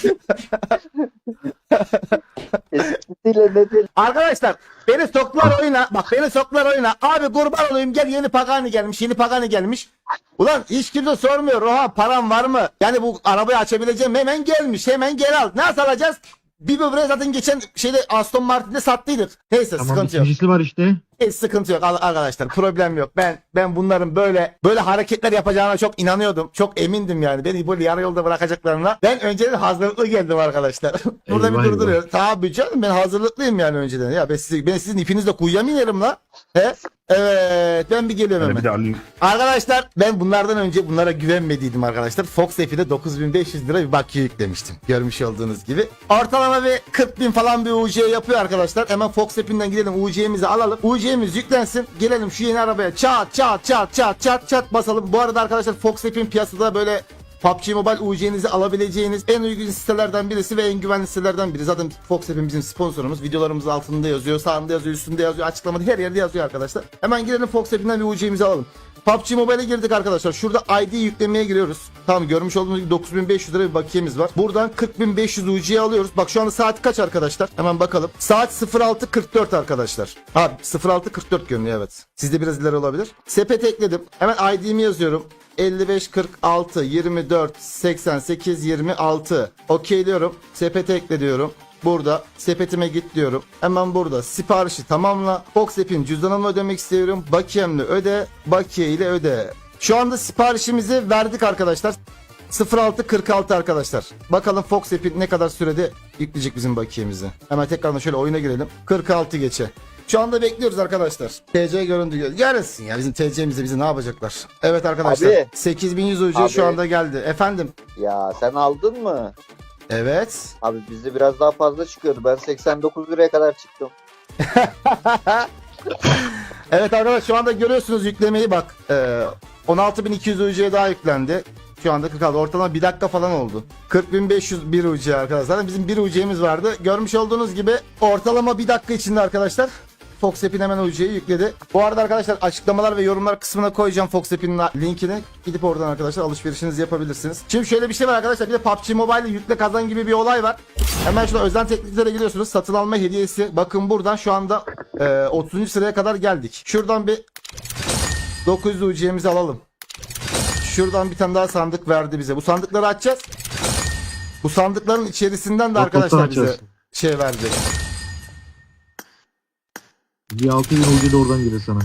[SPEAKER 7] Kesintisiyle net elinde.
[SPEAKER 1] Arkadaşlar beni soktular oyuna. Bak beni soktular oyuna. Abi kurban olayım gel yeni Pagani gelmiş. Yeni Pagani gelmiş. Ulan hiç kimse sormuyor. Oha param var mı? Yani bu arabayı açabileceğim hemen gelmiş. Hemen gel al. Nasıl alacağız? Bir böbreği zaten geçen şeyde Aston Martin'de sattıydık. Neyse
[SPEAKER 9] Tamam
[SPEAKER 1] sıkıntı yok.
[SPEAKER 9] ikincisi var işte.
[SPEAKER 1] Hiç sıkıntı yok arkadaşlar. Problem yok. Ben bunların böyle hareketler yapacağına çok inanıyordum. Çok emindim yani. Beni böyle yarı yolda bırakacaklarına. Ben önceden hazırlıklı geldim arkadaşlar. Burada
[SPEAKER 9] Eyvah,
[SPEAKER 1] bir durduruyor. Tabii canım ben hazırlıklıyım yani önceden. Ya ben sizin ipinizle kuyuya mı inerim la? He? Evet ben bir geliyorum
[SPEAKER 8] Yani
[SPEAKER 1] hemen.
[SPEAKER 8] bir de alayım.
[SPEAKER 1] Arkadaşlar ben bunlardan önce bunlara güvenmediydim arkadaşlar. Fox F'de 9500 lira bir bakiye yüklemiştim. Görmüş olduğunuz gibi. Ortalama bir 40.000 falan bir UC yapıyor arkadaşlar. Hemen Fox F'inden gidelim UC'mizi alalım. UC'miz yüklensin. Gelelim şu yeni arabaya çat basalım. Bu arada arkadaşlar Fox F'in piyasada böyle PUBG Mobile UC'nizi alabileceğiniz en uygun sitelerden birisi ve en güvenli sitelerden biri. Zaten Fox App'in bizim sponsorumuz. Videolarımız altında yazıyor, sağında yazıyor, üstünde yazıyor, açıklamada her yerde yazıyor arkadaşlar. Hemen girelim Fox App'inden bir UC'mizi alalım. PUBG Mobile'e girdik arkadaşlar. Şurada ID yüklemeye giriyoruz. Tamam görmüş olduğunuz gibi 9500 lira bir bakiyemiz var. Buradan 40.500 UC'ye alıyoruz. Bak şu anda saat kaç arkadaşlar? Hemen bakalım. Saat 06.44 arkadaşlar. Abi 06.44 görünüyor evet. Sizde biraz ileri olabilir. Sepete ekledim. Hemen ID'mi yazıyorum. 55 46 24 88 26. Okeyliyorum. Sepete ekle diyorum. Burada sepetime git diyorum. Hemen burada siparişi tamamla. Fox App'in cüzdanımla ödemek istiyorum. Bakiyemle öde. Bakiye ile öde. Şu anda siparişimizi verdik arkadaşlar. 06.46 arkadaşlar. Bakalım Fox App'in ne kadar sürede yükleyecek bizim bakiyemizi. Hemen tekrardan şöyle oyuna girelim. 46 geçe. Şu anda bekliyoruz arkadaşlar. TC göründü. Yarınsın ya bizim TC'mizde bizi ne yapacaklar? Evet arkadaşlar.
[SPEAKER 7] Abi.
[SPEAKER 1] 8100 UC
[SPEAKER 7] Abi.
[SPEAKER 1] şu anda geldi. Efendim.
[SPEAKER 7] Ya sen aldın mı?
[SPEAKER 1] Evet.
[SPEAKER 7] Abi bizde biraz daha fazla çıkıyordu. Ben 89 liraya kadar çıktım.
[SPEAKER 1] Evet arkadaşlar şu anda görüyorsunuz yüklemeyi bak. 16.200 UC'ye daha yüklendi. Şu anda 46. Ortalama 1 dakika falan oldu. 40.501 UC arkadaşlar. Zaten bizim 1 UC'miz vardı. Görmüş olduğunuz gibi ortalama 1 dakika içinde arkadaşlar Fox App'in hemen UC'yi yükledi. Bu arada arkadaşlar açıklamalar ve yorumlar kısmına koyacağım Fox App'in linkini. Gidip oradan arkadaşlar alışverişinizi yapabilirsiniz. Şimdi şöyle bir şey var arkadaşlar. Bir de PUBG Mobile'de yükle kazan gibi bir olay var. Hemen şurada özel tekniklere giriyorsunuz. Satın alma hediyesi. Bakın buradan şu anda 30. sıraya kadar geldik. Şuradan bir 900 UC'mizi alalım. Şuradan bir tane daha sandık verdi bize. Bu sandıkları açacağız. Bu sandıkların içerisinden de
[SPEAKER 9] Bak,
[SPEAKER 1] arkadaşlar
[SPEAKER 9] bottan
[SPEAKER 1] bize
[SPEAKER 9] açarsın.
[SPEAKER 1] şey verdi.
[SPEAKER 9] Bir 6000 ucu da oradan gelir sana.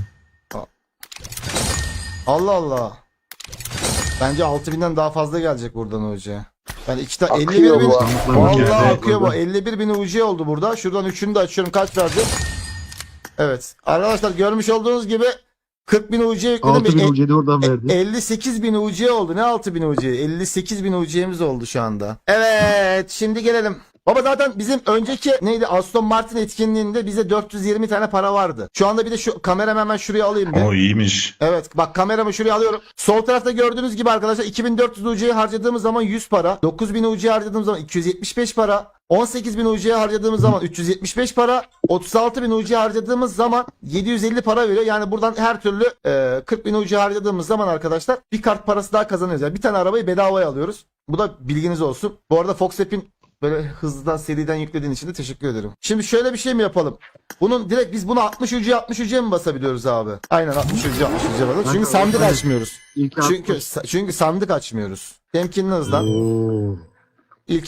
[SPEAKER 1] Allah Allah. Bence 6000'den daha fazla gelecek buradan UC. Yani iki tane
[SPEAKER 7] Akıyor
[SPEAKER 1] 51 bin.
[SPEAKER 7] bu.
[SPEAKER 1] Vallahi
[SPEAKER 8] Evet,
[SPEAKER 1] akıyor bu.
[SPEAKER 9] oradan.
[SPEAKER 1] 51 bin UC oldu burada. Şuradan üçünü de açıyorum. Kaç verdi? Evet. Arkadaşlar görmüş olduğunuz gibi 40 bin UC yükledim.
[SPEAKER 9] 6000 ucu da oradan verdi.
[SPEAKER 1] 58 bin UC oldu. Ne 6 bin UC? 58 bin UC'miz oldu şu anda. Evet. Şimdi gelelim. Baba zaten bizim önceki neydi Aston Martin etkinliğinde bize 420 tane para vardı. Şu anda bir de şu kameramı hemen şuraya alayım bir.
[SPEAKER 8] O iyiymiş.
[SPEAKER 1] Evet bak kameramı şuraya alıyorum. Sol tarafta gördüğünüz gibi arkadaşlar 2400 UC'ye harcadığımız zaman 100 para. 9000 UC'ye harcadığımız zaman 275 para. 18.000 UC'ye harcadığımız zaman 375 para. 36.000 UC'ye harcadığımız zaman 750 para veriyor. Yani buradan her türlü 40.000 UC'ye harcadığımız zaman arkadaşlar bir kart parası daha kazanıyoruz. Yani bir tane arabayı bedavaya alıyoruz. Bu da bilginiz olsun. Bu arada Fox App'in böyle hızlıdan seriden yüklediğin için de teşekkür ederim. Şimdi şöyle bir şey mi yapalım? Bunun direkt biz bunu 60 ucuya mi basabiliyoruz abi? Aynen 60 ucuya basalım. Çünkü sandık açmıyoruz.
[SPEAKER 9] İlk
[SPEAKER 1] Çünkü sandık açmıyoruz. Temkinli hızlan.
[SPEAKER 9] Oo.